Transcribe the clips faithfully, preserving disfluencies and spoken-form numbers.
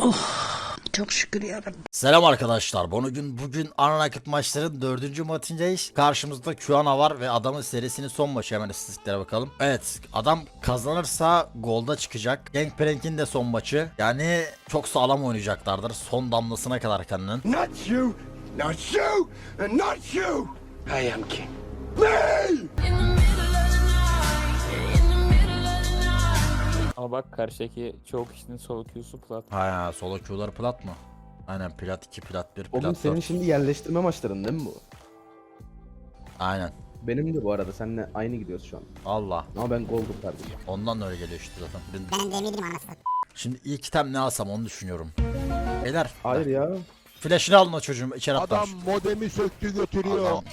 Çok şükür yarabbim. Selam arkadaşlar. Bugün bugün Unranked maçların dördüncü maçındayız. Karşımızda Qana var ve adamın serisinin son maçı. Hemen istatistiklere bakalım. Evet, adam kazanırsa golda çıkacak. Gangplank'in de son maçı. Yani çok sağlam oynayacaklardır. Son damlasına kadar kendinin. Not you, not you, and not you. I am king. Ama bak karşıdaki çoğu kişinin solo Q'su plat. Ha, solo Q'ları plat mı? Aynen, plat iki, plat bir, plat Oğlum senin dört. şimdi yerleştirme maçların değil mi bu? Aynen. Benim de bu arada seninle aynı gidiyoruz şu an. Allah. Ama ben gol kurtardım. Ondan da öyle geliyor işte zaten. Ben- Ben de eminim anasını. Şimdi ilk item ne alsam onu düşünüyorum. Beyler. Hayır ya. Flash'ını alın o çocuğum, içeri atlar. Adam modemi söktü götürüyor. Adam.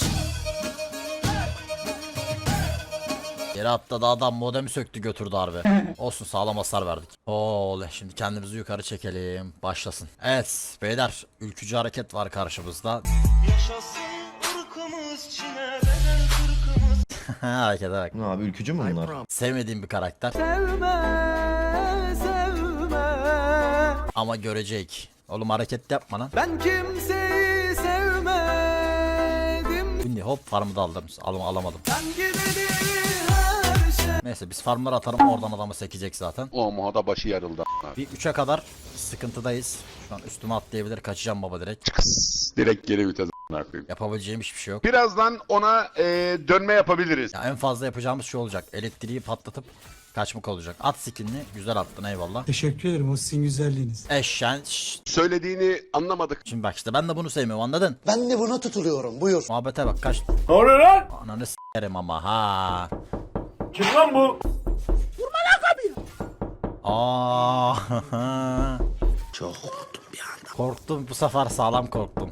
Yere atladı adam, modemi söktü götürdü harbi. Olsun, sağlam hasar verdik. Oley, şimdi kendimizi yukarı çekelim. Başlasın. Evet beyler, ülkücü hareket var karşımızda. Yaşasın ırkımız, Çin'e bedel kırkımız. Harekete bak. Ne abi, ülkücü mü bunlar? Sevmediğim bir karakter. Sevme, sevme. Ama görecek. Oğlum hareket yapma lan. Ben kimseyi sevmedim. Şimdi hop, farmı da aldım. Alım alamadım. Ben gideli her şey. Neyse, biz farmları atalım, oradan adamı sekecek zaten. O muhada başı yarıldı. Bir üçe kadar sıkıntıdayız. Şu an üstüme atlayabilir, kaçacağım baba direkt. Kıs, direkt geri vites a**ına koyayım. Yapabileceğim hiçbir şey yok. Birazdan ona e, dönme yapabiliriz. Ya en fazla yapacağımız şey olacak. Elektriği patlatıp kaçmak olacak. At skinini güzel attın, eyvallah. Teşekkür ederim o sizin güzelliğiniz. Eşen şşt. Söylediğini anlamadık. Şimdi bak işte, ben de bunu sevmiyorum, anladın? Ben de buna tutuluyorum, buyur. Muhabbete bak, kaç. Ne oluyor lan? Ananı s**erim ama ha. Kim lan bu? Vurma lan kapıyı. Aa. Çok korktum bir anda. Korktum bu sefer, sağlam korktum.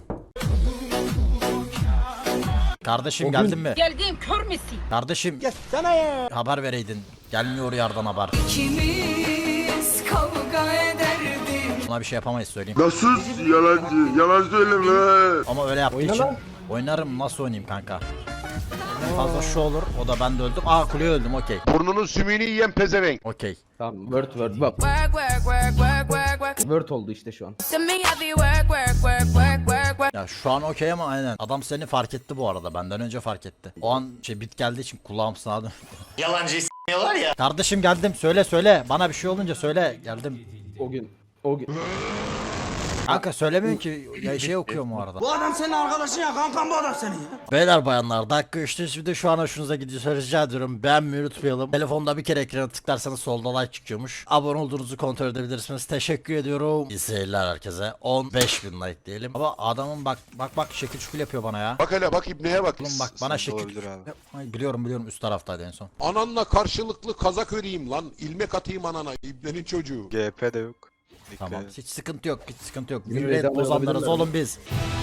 Kardeşim O geldin gün- mi? Geldim, kör müsün? Kardeşim. Gelsene ya. Haber vereydin. Gelmiyor yardan haber. İkimiz kavga ederdik. Buna bir şey yapamayız, söyleyeyim. Nasıl yalancı? Yalan söyleme. Ama öyle yaptığı Oyna için lan. oynarım, nasıl oynayayım kanka? En fazla şu olur, o da ben de öldüm. Aa, kuleye öldüm, okey. Burnunun sümüğünü yiyen pezevenk. Okey. Tamam, word word bak. Work work work work work work. Word oldu işte şu an. To me I be work work work work work work. Ya şu an okey ama aynen. Adam seni fark etti bu arada, benden önce fark etti. O an şey bit geldiği için kulağım sağa dön. Yalancıyı s**miyorlar ya. Kardeşim geldim, söyle söyle. Bana bir şey olunca söyle, geldim. O gün. O gün. Kanka söylemiyorsun ki, ya şey okuyorum o arada. Bu adam senin arkadaşın ya, kankam bu adam senin ya. Beyler bayanlar, dakika üçte şimdi şu an hoşunuza gidiyorsa rica ediyorum, beğenmeyi unutmayalım. Telefonda bir kere ekrana tıklarsanız solda like çıkıyormuş. Abone olduğunuzu kontrol edebilirsiniz. Teşekkür ediyorum. İyi seyirler herkese. on beş bin like diyelim. Ama adamın bak bak bak şekil şukul yapıyor bana ya. Bak hele bak ibneye bak. Oğlum bak bana şekil. Ay, biliyorum biliyorum, üst taraftaydı en son. Ananla karşılıklı kazak öreyim lan. İlmek atayım anana. İbnenin çocuğu. G P de yok. Tamam, hiç sıkıntı yok, hiç sıkıntı yok. Yine Millet meydan bozanlarız alabilirler oğlum biz.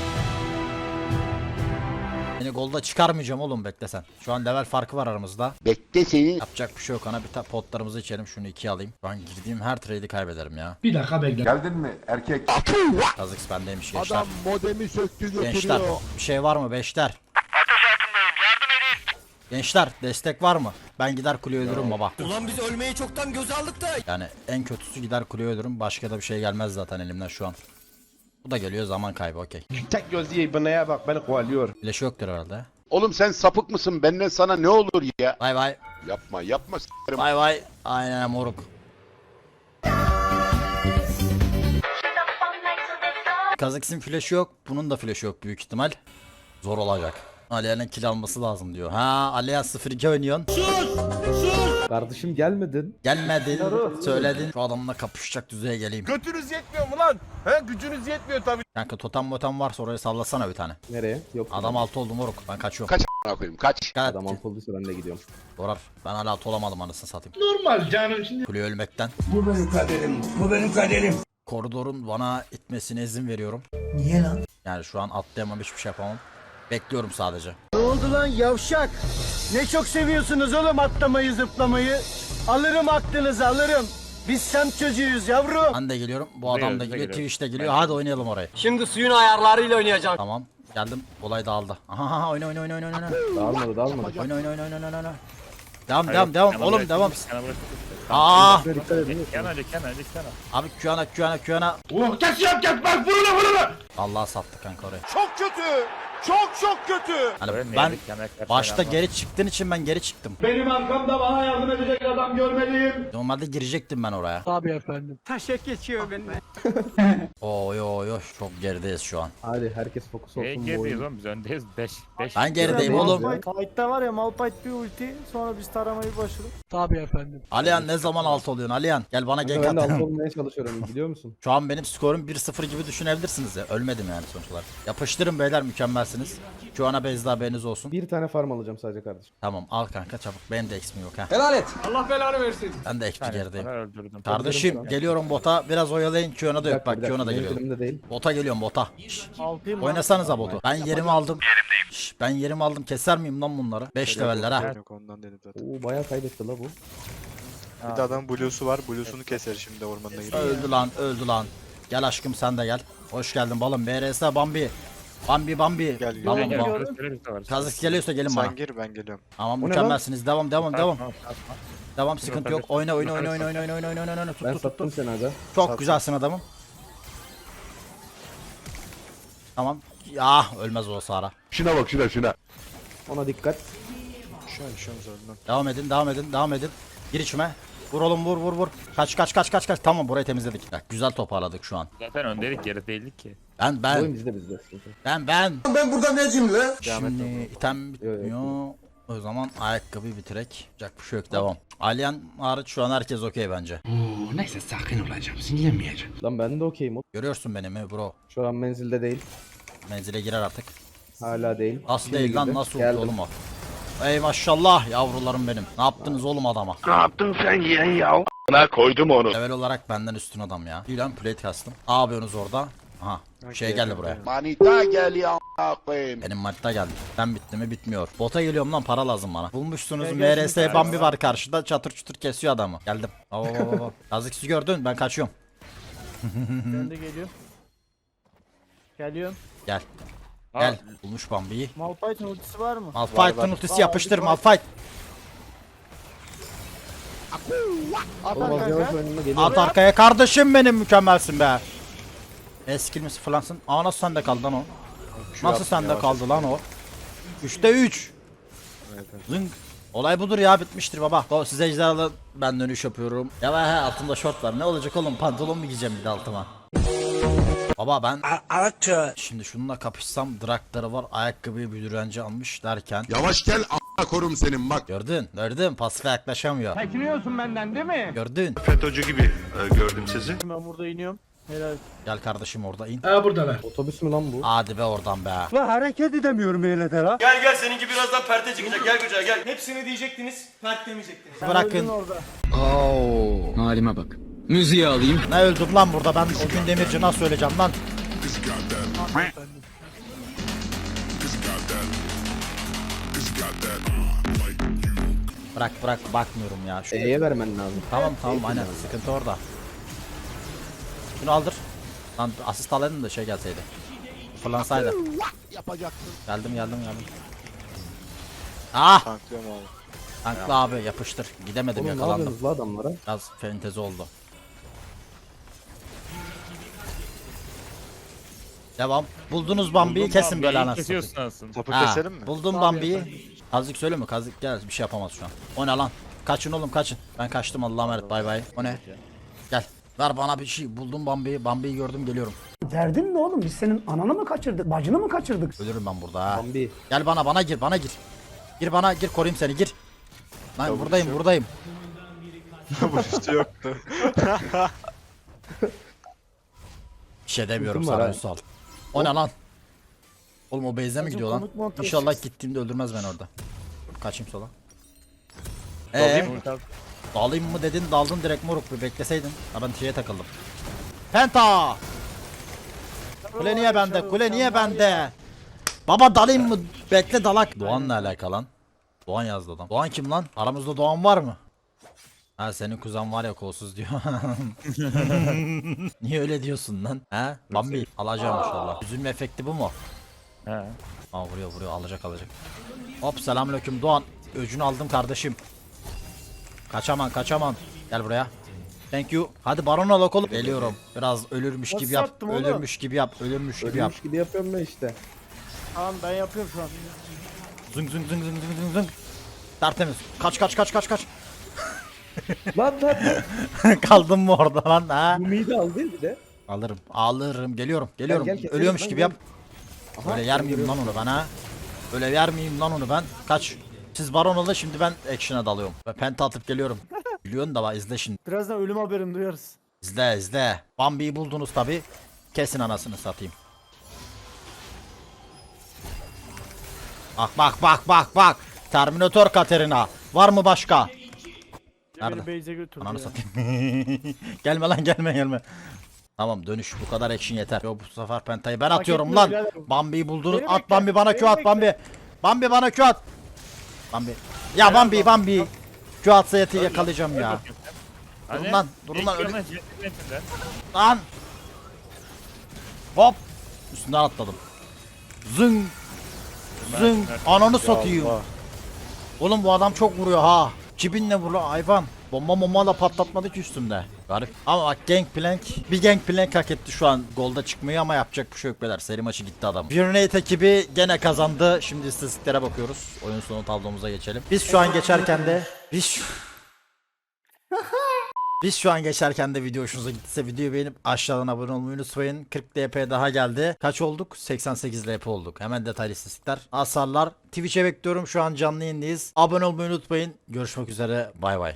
Seni golda çıkarmayacağım oğlum, bekle sen. Şu an level farkı var aramızda. Bekle seni. Yapacak bir şey yok, ana bir tane potlarımızı içelim, şunu ikiye alayım. Ben girdiğim her trade'i kaybederim ya. Bir dakika bekle. Geldin mi erkek? Kazık bendeymiş gençler. Adam modemi söktü Gençler götürüyor. bir şey var mı beşler? Ateş altındayım, yardım edin. Gençler destek var mı? Ben gider kuleyi öldürürüm baba. Ulan biz ölmeyi çoktan göze aldık da. Yani en kötüsü gider kuleyi öldürürüm, başka da bir şey gelmez zaten elimden şu an. Bu da geliyor, zaman kaybı, okey. Tek gözlü ibneye bak beni kovalıyor. Flash yoktur herhalde. Oğlum sen sapık mısın? Benden sana ne olur ya? Bay bay. Yapma yapma s**erim. Bay bay. Aynen moruk. Kazakis'in flash'ı yok. Bunun da flash'ı yok büyük ihtimal. Zor olacak. Aliye'nin kill alması lazım diyor. Ha, Aliye sıfır iki oynuyorsun. Kardeşim gelmedin. Gelmedin. Söyledin. Şu adamla kapışacak düzeye geleyim. Götünüz yetmiyor mu lan? He gücünüz yetmiyor tabii. Kanka totem motem varsa oraya sallasana bir tane. Nereye? Yok. Adam altı oldu moruk. Ben kaçıyorum. Kaç a**ına koyayım kaç. Kaç. Adam alt olduysa ben de gidiyorum. Dorar. Ben hala altı olamadım, anasını satayım. Normal canım şimdi. Kuleye ölmekten. Bu benim kaderim, bu benim kaderim. Koridorun bana itmesine izin veriyorum. Niye lan? Yani şu an atlayamam, hiçbir şey yapamam. Bekliyorum sadece. Ne oldu lan yavşak? Ne çok seviyorsunuz oğlum atlamayı zıplamayı. Alırım aklınızı alırım. Biz semt çocuğuyuz yavrum. Ben de geliyorum. Bu adam da geliyor. Twitch'te geliyor. Hadi oynayalım orayı. Şimdi suyun ayarlarıyla oynayacağım. Tamam. Geldim. Olay dağıldı. Aha, aha, oyna oyna oyna oyna oyna. Dağılmadı dağılmadı. Oyna oyna oyna oyna oyna oyna. Devam devam devam oğlum devam. Aa! Dikkat edin. Kenan hadi Kenan hadi Kenan. Abi Q'ana Q'ana Q'ana. Oh, kes yap kes bak vurun vurun. Allah sattı kanka orayı. Çok kötü. Çok çok kötü. Hani Öyle ben yedik, yemek karşı başta yapma. geri çıktığın için ben geri çıktım. Benim arkamda bana yardım edecek adam görmeliyim. Normalde girecektim ben oraya. Tabii efendim. Taşak geçiyor benim. Oy oy oy çok gerideyiz şu an. Hadi herkes fokus Neye olsun bu gerideyiz oyun. oğlum biz öndeyiz beş beş. Ben gerideyim oğlum. Fight'ta var ya Malphite bir ulti sonra biz taramayı başladık. Tabii efendim. Alihan ne zaman alt oluyorsun Alihan? Gel bana Kanka gank ben de at. alt olmaya çalışıyorum biliyor musun? Şu an benim skorum bir sıfır gibi düşünebilirsiniz ya. Ölmedim yani sonuç olarak. Yapıştırın beyler mükemmelsiniz. Şu ana bezde haberiniz olsun. Bir tane farm alacağım sadece kardeşim. Tamam al kanka çabuk. Benim de eksim yok ha. Helal et. Allah belanı versin. Ben de ekti gerideyim. Sana öldürdüm. Kardeşim geliyorum bota. Biraz oyalayın. Q'na da yok bak Q'na da geliyorum. Elimde değil. Bota geliyorum bota. Şşş, Altıyım. oynasanıza botu. Ben yerimi aldım. Şşş, ben yerimi aldım. Keser miyim lan bunları? beş leveller ha. Yok ondan dedim zaten. Oo bayağı kaybetti la bu. Bir de adam blue'su var. Blue'sunu keser şimdi ormanına gidiyor. Öldü lan öldü lan. Gel aşkım sen de gel. Hoş geldin balım. B R S Bambi. Bambi Bambi. Gel, gel. Balım Gel, bal. gel, gel, gel, gel. Kazık geliyorsa gelin bana. Sen gir ben geliyorum. Tamam O ne mükemmelsiniz. Devam devam devam. Tamam, tamam. Devam sıkıntı yok. Oyna oyna oyna oyna oyna oyna oyna oyna oyna oyna. Tut Ben tut tut. sattım tut. seni aga. Çok Sattım. güzelsin adamım. Tamam. Ya ölmez o Sara. Şuna bak şuna şuna. Ona dikkat. Şu an şu an zorundan. Devam edin devam edin devam edin. Gir içime. Vur oğlum vur vur vur. Kaç kaç kaç kaç kaç. Tamam burayı temizledik. Bak, güzel toparladık şu an. Zaten öndeydik geri değildik ki. Ben Oyun ben bizde bizde. ben ben. Ben burada necim lan? Şimdi item bitmiyor. O zaman ayakkabı bitirek. Yapacak bir şey yok devam. Alien hariç şu an herkes okey bence. Neyse sakin olacağım. Sinirlenmeyeceğim. Lan ben de okeyim. Görüyorsun beni mi bro? Şu an menzilde değil. Menzile girer artık. Hala değil. Nasıl Şimdi değil lan girdi. nasıl Geldim. oldu oğlum o? Ey maşallah yavrularım benim. Ne yaptınız oğlum adama? Ne yaptın sen yeğen ya? Bana koydum onu. Level olarak benden üstün adam ya. Bir lan plate kastım. Ne yapıyorsunuz orada? Aha. Şey geldi buraya. Manita geliyor a**ayım. Benim maçta geldi. Ben bitti mi bitmiyor. Bota geliyorum lan para lazım bana. Bulmuşsunuz M R S Bambi var karşıda çatır çutur kesiyor adamı. Geldim. Baba baba baba. Yazıksız gördün ben kaçıyorum. Ben de geliyorum. Geliyorum. Gel. Gel. Bulmuş Bambi'yi. Malphite'ın ultisi var mı? Malphite'ın ultisi yapıştır Malphite. At Oğlum az yavaş kanka. önüme geliyor. At arkaya kardeşim benim mükemmelsin be. Eskill mi sıfırlansın? Aa nasıl sende kaldı lan o? Nasıl sende kaldı lan o? üçte üç. Zınk. Olay budur ya bitmiştir baba. O size ejderhalı ben dönüş yapıyorum. Ya he altımda şort var. Ne olacak oğlum pantolon mu giyeceğim bir de altıma? Baba ben Araçça. şimdi şununla kapışsam drakları var ayakkabıyı bir direnci almış derken. Yavaş gel a**a korum senin bak. Gördün gördün pasife yaklaşamıyor. Çekiniyorsun benden değil mi? Gördün. FETÖ'cü gibi gördüm sizi. Ben burada iniyorum. Helal. Gel kardeşim orada in. Ha buradalar. Otobüs mü lan bu? Hadi be oradan be. Lan hareket edemiyorum öyle de la. Gel gel seninki birazdan perte çıkacak gel Gücel gel. Hepsini diyecektiniz pert demeyecektiniz. Bırakın. Orada. Halime bak. Müziği alayım. Ne öldüm lan burada ben o gün demirci nasıl söyleyeceğim lan? Bırak bırak bakmıyorum ya. Şu... E'ye vermen lazım. Tamam tamam aynen sıkıntı orada. Şunu aldır. Lan asist alaydın da şey gelseydi. Fırlansaydı. Geldim geldim geldim. Ah! Tanklıyorum abi. Tanklı abi yapıştır. Gidemedim Oğlum ne yakalandım. yapıyorsunuz la adamlara? Biraz fentezi oldu. Devam. Buldunuz Bambi'yi kesin böyle anasını. Kesiyorsun aslında. Topu Ha, keselim mi? buldum Bambi'yi. Kazık söyle mi? Kazık gel bir şey yapamaz şu an. O ne lan? Kaçın oğlum kaçın. Ben kaçtım Allah'a emanet bay bay. O ne? Gel. Ver bana bir şey. Buldum Bambi'yi. Bambi'yi gördüm geliyorum. Derdin ne oğlum? Biz senin ananı mı kaçırdık? Bacını mı kaçırdık? Ölürüm ben burada ha. Bambi. Gel bana bana gir bana gir. Gir bana gir koruyayım seni gir. Lan buradayım buradayım. Bu işte yoktu. Bir şey demiyorum Ultim var sana ha. Ünsal. O ne lan? Oğlum o base'e mi gidiyor lan? komik montaj. İnşallah gittiğimde öldürmez beni orada. Kaçayım sola. Dalayım Eee mı? dalayım mı dedin daldın direkt moruk bir bekleseydin. Ha ben şeye takıldım. Penta! Kule niye bende? Kule niye bende? Baba dalayım mı? Bekle dalak. Doğan'la alakalı lan. Doğan yazdı adam. Doğan kim lan? Aramızda Doğan var mı? Ha senin kuzen var ya kolsuz diyor. Niye öyle diyorsun lan? He? Bambi alacağım inşallah. Üzülme efekti bu mu? He. Aa vuruyor vuruyor alacak alacak. Hop selamünaleyküm Doğan. Öcünü aldım kardeşim. Kaçaman kaçaman. Gel buraya. Thank you. Hadi Baron al oğlum. Geliyorum. Biraz ölürmüş gibi Nasıl yap. sattım oğlum? Ölürmüş gibi yap. Ölürmüş gibi yap. Ölmüş gibi yapıyorum ben işte. Tamam ben yapıyorum şu an. Zıng zıng zıng zıng zıng zıng zıng. Tertemiz. Kaç kaç kaç kaç kaç. Lan lan. Kaldın mı orada lan ha? Bu midi al değil bir de. Alırım. Alırım. Geliyorum. Geliyorum. gel, keselim Ölüyormuş lan, gibi gel. yap. Öyle yer miyim lan onu ben ha? Öyle yer miyim lan onu ben? Kaç. Siz Baron olun, şimdi ben action'a dalıyorum. Ve penta atıp geliyorum. Biliyorsun da bak, izle şimdi. Birazdan ölüm haberini duyarız. İzle izle. Bambi'yi buldunuz tabi. Kesin anasını satayım. Bak bak bak bak bak. Terminator Katerina. Var mı başka? Nerede? Beni base'e götürdü Ananı ya. satayım. Gelme lan, gelme gelme. Tamam, dönüş, bu kadar action yeter. Yo, bu sefer pentayı ben atıyorum etmiyor lan. birader. Bambi'yi buldunuz. Beni At bekle, Bambi, bana beni Q at bekle. Bambi. Bambi bana Q at. Bambi. Ya Bambi Bambi. Q atsa yeti yakalayacağım ya. Durun lan, durun lan, öyle- Lan. Hop. Üstünden atladım. Zıng. Zıng. Ananı satayım. Oğlum bu adam çok vuruyor ha. Cibinle vuruyor hayvan. Bomba bomba da patlatmadı ki üstümde. Garip. Ama bak, Gangplank. Bir Gangplank hak etti şu an golda çıkmayı, ama yapacak bir şey yok beyler. Seri maçı gitti adam. Unite ekibi gene kazandı. Şimdi istatistiklere bakıyoruz. Oyun sonu tablomuza geçelim. Biz şu an geçerken de biz şu... Biz şu an geçerken de video hoşunuza gittiyse videoyu beğenip aşağıdan abone olmayı unutmayın. kırk L P daha geldi. Kaç olduk? seksen sekiz L P olduk. Hemen detaylı istatistikler. Hasarlar. Twitch'e bekliyorum. Şu an canlı yayındayız. Abone olmayı unutmayın. Görüşmek üzere. Bay bay.